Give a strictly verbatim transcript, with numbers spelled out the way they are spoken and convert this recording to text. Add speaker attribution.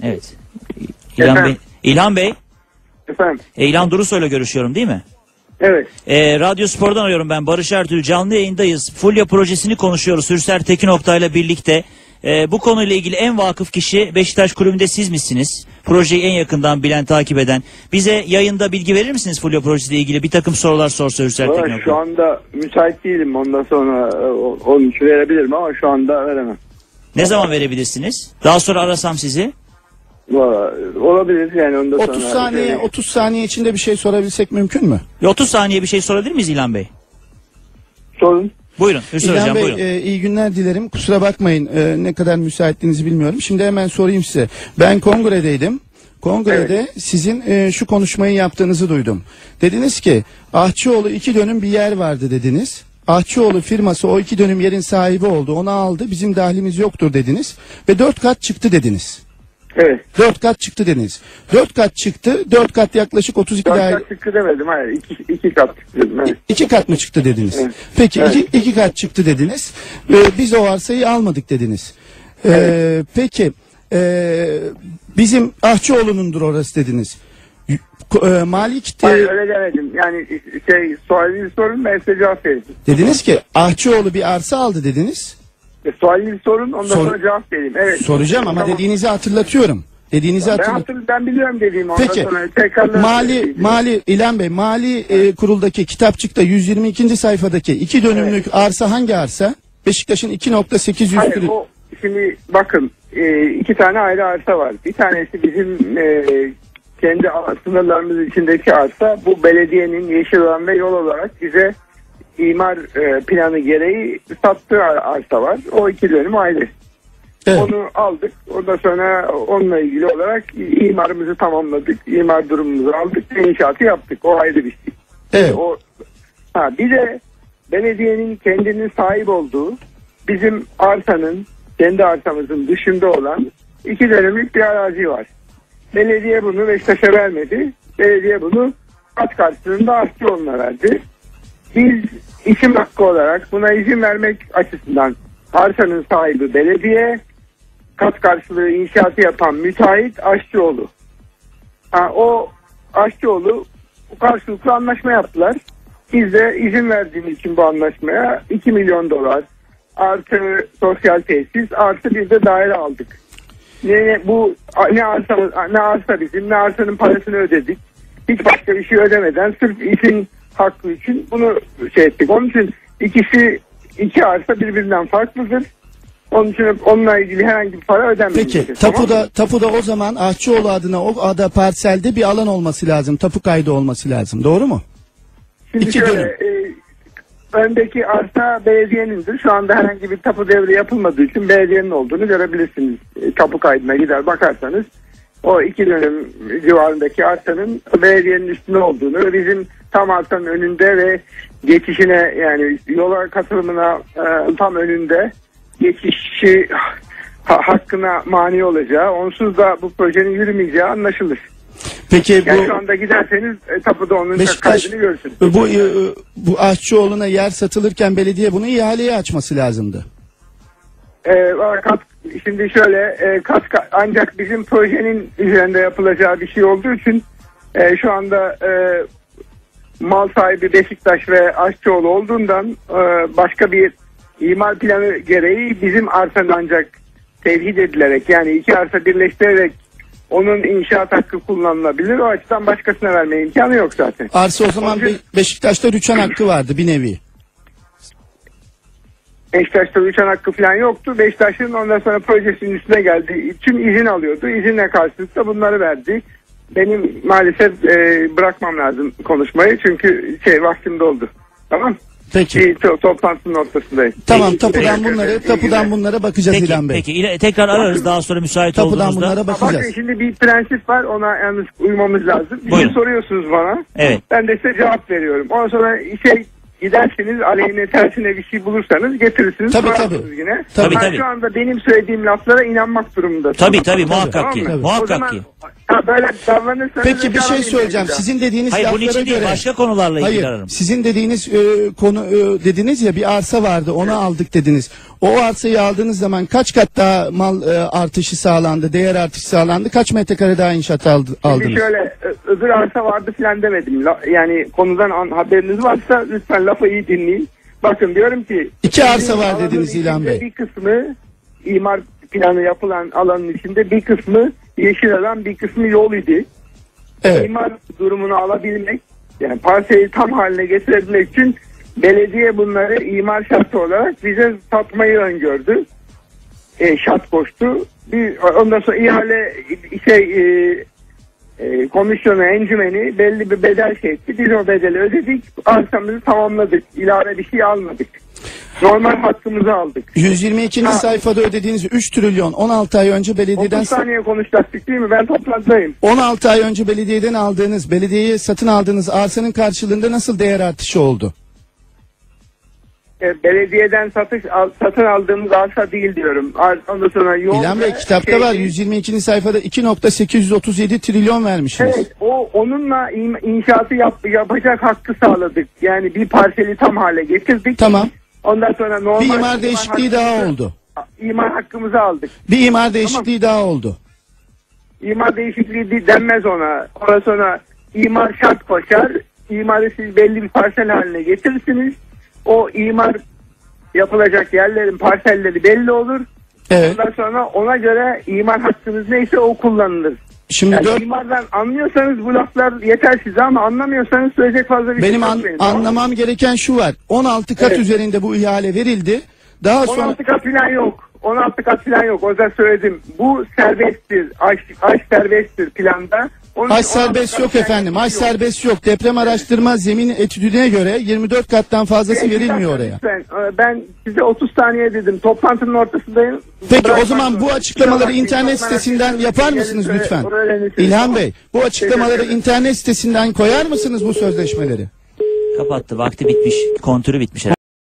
Speaker 1: Evet. İlhan
Speaker 2: Efendim?
Speaker 1: Bey. İlhan Bey.
Speaker 2: Efendim?
Speaker 1: E, İlhan Durusoy'la görüşüyorum değil mi?
Speaker 2: Evet.
Speaker 1: E, Radyo Spor'dan arıyorum ben. Barış Ertuğrul, canlı yayındayız. Fulya projesini konuşuyoruz. Hürser Tekin Oktay'la birlikte. E, bu konuyla ilgili en vakıf kişi Beşiktaş Kulübü'nde siz misiniz? Projeyi en yakından bilen, takip eden. Bize yayında bilgi verir misiniz Fulya projesiyle ilgili? Bir takım sorular sorsa Hürser Tekin Oktay.
Speaker 2: Şu anda müsait değilim. Ondan sonra onun için verebilirim ama şu anda veremem.
Speaker 1: Ne zaman verebilirsiniz? Daha sonra arasam sizi.
Speaker 2: Olabilir yani ondan sonra.
Speaker 3: otuz saniye otuz saniye içinde bir şey sorabilsek mümkün mü?
Speaker 1: otuz saniye bir şey sorabilir miyiz İlhan Bey?
Speaker 2: Sorun.
Speaker 1: Buyurun Hüsnü
Speaker 3: İlhan
Speaker 1: Hocam
Speaker 3: Bey,
Speaker 1: buyurun.
Speaker 3: e, iyi günler dilerim. Kusura bakmayın, e, ne kadar müsaitliğinizi bilmiyorum. Şimdi hemen sorayım size. Ben kongredeydim. Kongrede
Speaker 2: Evet.
Speaker 3: sizin e, şu konuşmayı yaptığınızı duydum. Dediniz ki Ahçıoğlu iki dönüm bir yer vardı dediniz. Ahçıoğlu firması o iki dönüm yerin sahibi oldu. Onu aldı. Bizim dahlimiz yoktur dediniz. Ve dört kat çıktı dediniz.
Speaker 2: Evet.
Speaker 3: Dört kat çıktı dediniz. Dört kat çıktı. Dört kat yaklaşık otuz iki
Speaker 2: Dört
Speaker 3: daire.
Speaker 2: kat çıktı demedim. Hayır. iki, iki kat çıktı dedim. Evet.
Speaker 3: İki kat mı çıktı dediniz?
Speaker 2: Evet.
Speaker 3: Peki
Speaker 2: Evet.
Speaker 3: iki, iki kat çıktı dediniz. Ee, biz o arsayı almadık dediniz. Ee,
Speaker 2: Evet.
Speaker 3: Peki ee, bizim Ahçıoğlu'nundur orası dediniz. Y- ko- e, Malik de-
Speaker 2: Hayır öyle demedim. Yani şey sualinizi sorun ben size cevap vereyim.
Speaker 3: dediniz ki Ahçıoğlu bir arsa aldı dediniz.
Speaker 2: E, sualinizi sorun ondan
Speaker 3: Sor-
Speaker 2: sonra cevap vereyim. Evet.
Speaker 3: Soracağım ama
Speaker 2: Tamam.
Speaker 3: dediğinizi hatırlatıyorum. Dediğinizi
Speaker 2: Ben,
Speaker 3: hatırlatıyorum.
Speaker 2: hatır, ben biliyorum dediğimi. Ondan
Speaker 3: Peki
Speaker 2: sonra tekrardan
Speaker 3: mali
Speaker 2: söyleyeyim.
Speaker 3: mali İlhan Bey mali e, kuruldaki kitapçıkta yüz yirmi ikinci sayfadaki iki dönümlük arsa hangi arsa? Beşiktaş'ın iki nokta sekiz yüz
Speaker 2: Hayır o şimdi bakın e, iki tane ayrı arsa var. Bir tanesi bizim e, kendi sınırlarımız içindeki arsa. Bu belediyenin yeşil alan ve yol olarak bize imar e, planı gereği sattığı ar- arsa var. O iki dönüm ayrı.
Speaker 3: Evet.
Speaker 2: Onu aldık. Ondan sonra onunla ilgili olarak imarımızı tamamladık. İmar durumumuzu aldık. İnşaatı yaptık. O ayrı bir şey.
Speaker 3: Evet.
Speaker 2: O, ha, bir de belediyenin kendinin sahip olduğu bizim arsanın kendi arsamızın dışında olan iki dönümlük bir arazi var. Belediye bunu Beşiktaş'a vermedi. Belediye bunu kat karşılığında Ahçıoğlu'na verdi. Biz isim hakkı olarak buna izin vermek açısından arsanın sahibi belediye, kat karşılığı inşaatı yapan müteahhit Aşçıoğlu. Ha, o Aşçıoğlu karşılıklı anlaşma yaptılar. Biz de izin verdiğimiz için bu anlaşmaya iki milyon dolar artı sosyal tesis artı bir de daire aldık. Ne bu ne arsa ne arsa bizim ne arsanın parasını ödedik. Hiç başka bir şey ödemeden sırf isim hakkı için bunu şey ettik. Onun için ikisi iki arsa birbirinden farklıdır. Onun için onunla ilgili herhangi bir para ödenmeyecek.
Speaker 3: Peki tapuda tapuda o zaman Ahçıoğlu adına o ada parselde bir alan olması lazım. Tapu kaydı olması lazım. Doğru mu?
Speaker 2: Şimdi
Speaker 3: İki
Speaker 2: şöyle,
Speaker 3: dönüm.
Speaker 2: e, öndeki arsa belediyenindir. Şu anda herhangi bir tapu devri yapılmadığı için belediyenin olduğunu görebilirsiniz. E, tapu kaydına gider bakarsanız o iki dönüm civarındaki arsanın belediyenin üstünde olduğunu ve bizim tam arsanın önünde ve geçişine yani yola katılımına e, tam önünde geçişi ha, hakkına mani olacağı, onsuz da bu projenin yürümeyeceği anlaşılır.
Speaker 3: Peki
Speaker 2: Yani
Speaker 3: bu
Speaker 2: şu anda giderseniz e, tapuda onun
Speaker 3: Beşiktaş
Speaker 2: kaydını görürsünüz.
Speaker 3: bu e, bu Ahçıoğlu'na yer satılırken belediye bunu ihaleye açması lazımdı.
Speaker 2: E, kat, şimdi şöyle e, kat, ancak bizim projenin üzerinde yapılacağı bir şey olduğu için e, şu anda e, mal sahibi Beşiktaş ve Aşçıoğlu olduğundan e, başka bir imar planı gereği bizim arsanın ancak tevhid edilerek yani iki arsa birleştirerek onun inşaat hakkı kullanılabilir. O açıdan başkasına verme imkanı yok zaten.
Speaker 3: Arsa o zaman
Speaker 2: Onun için-
Speaker 3: Be- Beşiktaş'ta rüçhan hakkı vardı bir nevi.
Speaker 2: Beşiktaş'ta uçan hakkı falan yoktu. Beşiktaş'ın ondan sonra projesinin üstüne geldiği için izin alıyordu. İzinle karşılıklı da bunları verdi. Benim maalesef e, bırakmam lazım konuşmayı çünkü şey vaktim doldu. Tamam.
Speaker 3: Peki.
Speaker 2: Bir to- toplantının ortasındayım.
Speaker 3: Tamam
Speaker 2: İyi-
Speaker 3: tapudan
Speaker 2: iyi-
Speaker 3: bunları
Speaker 2: iyi
Speaker 3: tapudan
Speaker 2: günler.
Speaker 3: bunlara bakacağız
Speaker 1: Peki,
Speaker 3: İlhan Bey.
Speaker 1: peki ile, tekrar ararız daha sonra müsait
Speaker 3: Tapudan
Speaker 1: olduğunuzda.
Speaker 3: bunlara
Speaker 2: Bakın
Speaker 3: bakacağız.
Speaker 2: şimdi bir prensip var ona yalnız uymamız lazım. Bir
Speaker 1: Buyurun.
Speaker 2: şey soruyorsunuz bana.
Speaker 1: Evet.
Speaker 2: Ben de size cevap veriyorum. Ondan sonra şey giderseniz aleyhine tersine bir şey bulursanız getirirsiniz.
Speaker 3: Tabii,
Speaker 2: sorarsınız
Speaker 3: tabii.
Speaker 2: Yine.
Speaker 1: Tabii,
Speaker 2: Ben
Speaker 1: tabii.
Speaker 2: şu anda benim söylediğim laflara inanmak durumundasınız.
Speaker 1: Tabii tabii
Speaker 2: Tamam
Speaker 1: muhakkak
Speaker 2: mı?
Speaker 1: ki.
Speaker 3: Tabii.
Speaker 2: O
Speaker 1: Muhakkak
Speaker 2: zaman
Speaker 1: ki.
Speaker 2: Ha, böyle davranırsanız...
Speaker 3: Peki bir şey
Speaker 2: cevap
Speaker 3: söyleyeceğim.
Speaker 2: vermeyeceğim.
Speaker 3: Sizin dediğiniz
Speaker 1: Hayır bunun
Speaker 3: laflara
Speaker 1: için değil
Speaker 3: göre...
Speaker 1: başka konularla ilgili
Speaker 3: Hayır,
Speaker 1: ararım.
Speaker 3: sizin dediğiniz e, konu e, dediniz ya, bir arsa vardı, onu aldık dediniz. O arsayı aldığınız zaman kaç kat daha mal e, artışı sağlandı, değer artışı sağlandı, kaç metrekare daha inşaat aldı,
Speaker 2: Şimdi
Speaker 3: aldınız?
Speaker 2: şöyle ö- öbür arsa vardı filan demedim. La- Yani konudan an- haberiniz varsa lütfen lafı iyi dinleyin. Bakın diyorum ki...
Speaker 3: İki arsa var
Speaker 2: alanın
Speaker 3: dediniz İlhan
Speaker 2: içinde
Speaker 3: Bey.
Speaker 2: Bir kısmı imar planı yapılan alanın içinde bir kısmı yeşil alan, bir kısmı yol idi.
Speaker 3: Evet.
Speaker 2: İmar durumunu alabilmek, yani parseli tam haline getirebilmek için belediye bunları imar şartı olarak bize satmayı öngördü. E, şart koştu. Bir, ondan sonra ihale şey e, e, komisyonu, encümeni belli bir bedel şey etti. Biz o bedeli ödedik. Arsamızı tamamladık. İlave bir şey almadık. Normal hakkımızı aldık.
Speaker 3: yüz yirmi ikinci
Speaker 2: Ha.
Speaker 3: sayfada ödediğiniz üç trilyon on altı ay önce belediyeden
Speaker 2: otuz saniye konuşacaktık değil mi? Ben toplantıdayım.
Speaker 3: on altı ay önce belediyeden aldığınız, belediyeye satın aldığınız arsanın karşılığında nasıl değer artışı oldu?
Speaker 2: E, belediyeden satış al, satın aldığımız arsa değil diyorum. Ar, ondan sonra yol
Speaker 3: İlhan Bey,
Speaker 2: ve
Speaker 3: kitapta
Speaker 2: şey-
Speaker 3: var, yüz yirmi ikinci sayfada iki nokta sekiz yüz otuz yedi trilyon vermişsiniz.
Speaker 2: Evet, o onunla in- inşaatı yap, yapacak hakkı sağladık. Yani bir parseli tam hale getirdik.
Speaker 3: Tamam.
Speaker 2: Ondan sonra normal
Speaker 3: Bir imar değişikliği daha
Speaker 2: hakkımızı-
Speaker 3: oldu.
Speaker 2: İmar hakkımızı aldık.
Speaker 3: Bir imar değişikliği daha oldu.
Speaker 2: İmar değişikliği de- denmez ona. Ondan sonra imar şart koşar. İmarı siz belli bir parsel haline getirirsiniz. O imar yapılacak yerlerin parselleri belli olur.
Speaker 3: Evet.
Speaker 2: Ondan sonra ona göre imar hakkınız neyse o kullanılır.
Speaker 3: Şimdi
Speaker 2: Yani
Speaker 3: dört,
Speaker 2: imardan anlıyorsanız bu laflar yeter size, ama anlamıyorsanız söyleyecek fazla bir
Speaker 3: benim
Speaker 2: şey
Speaker 3: an-
Speaker 2: yok benim, tamam mı?
Speaker 3: anlamam gereken şu var. on altı kat
Speaker 2: Evet.
Speaker 3: üzerinde bu ihale verildi. Daha
Speaker 2: on
Speaker 3: sonra
Speaker 2: altı kat falan yok. on altı kat falan yok. O yüzden söyledim. Bu serbesttir. Aş, aş serbesttir planda. Onun
Speaker 3: Haç
Speaker 2: için on altı
Speaker 3: serbest
Speaker 2: kat
Speaker 3: yok
Speaker 2: falan
Speaker 3: efendim. Haç
Speaker 2: yok.
Speaker 3: serbest yok. Deprem araştırma zemin etüdüne göre yirmi dört kattan fazlası
Speaker 2: Bir
Speaker 3: verilmiyor
Speaker 2: dakika
Speaker 3: oraya.
Speaker 2: lütfen. Ee, Ben size otuz saniye dedim. Toplantının ortasındayım.
Speaker 3: Peki
Speaker 2: Bırakmak
Speaker 3: o zaman bu
Speaker 2: zorunda.
Speaker 3: açıklamaları
Speaker 2: Kusura
Speaker 3: internet
Speaker 2: bakmayın,
Speaker 3: sitesinden
Speaker 2: çok
Speaker 3: yapar
Speaker 2: merak
Speaker 3: mısınız
Speaker 2: ettim.
Speaker 3: lütfen?
Speaker 2: Oraya öğrenirsiniz.
Speaker 3: İlhan
Speaker 2: Tamam.
Speaker 3: Bey, bu açıklamaları
Speaker 2: Teşekkür ederim.
Speaker 3: internet sitesinden koyar mısınız bu sözleşmeleri?
Speaker 1: Kapattı vakti bitmiş kontürü bitmiş herhalde.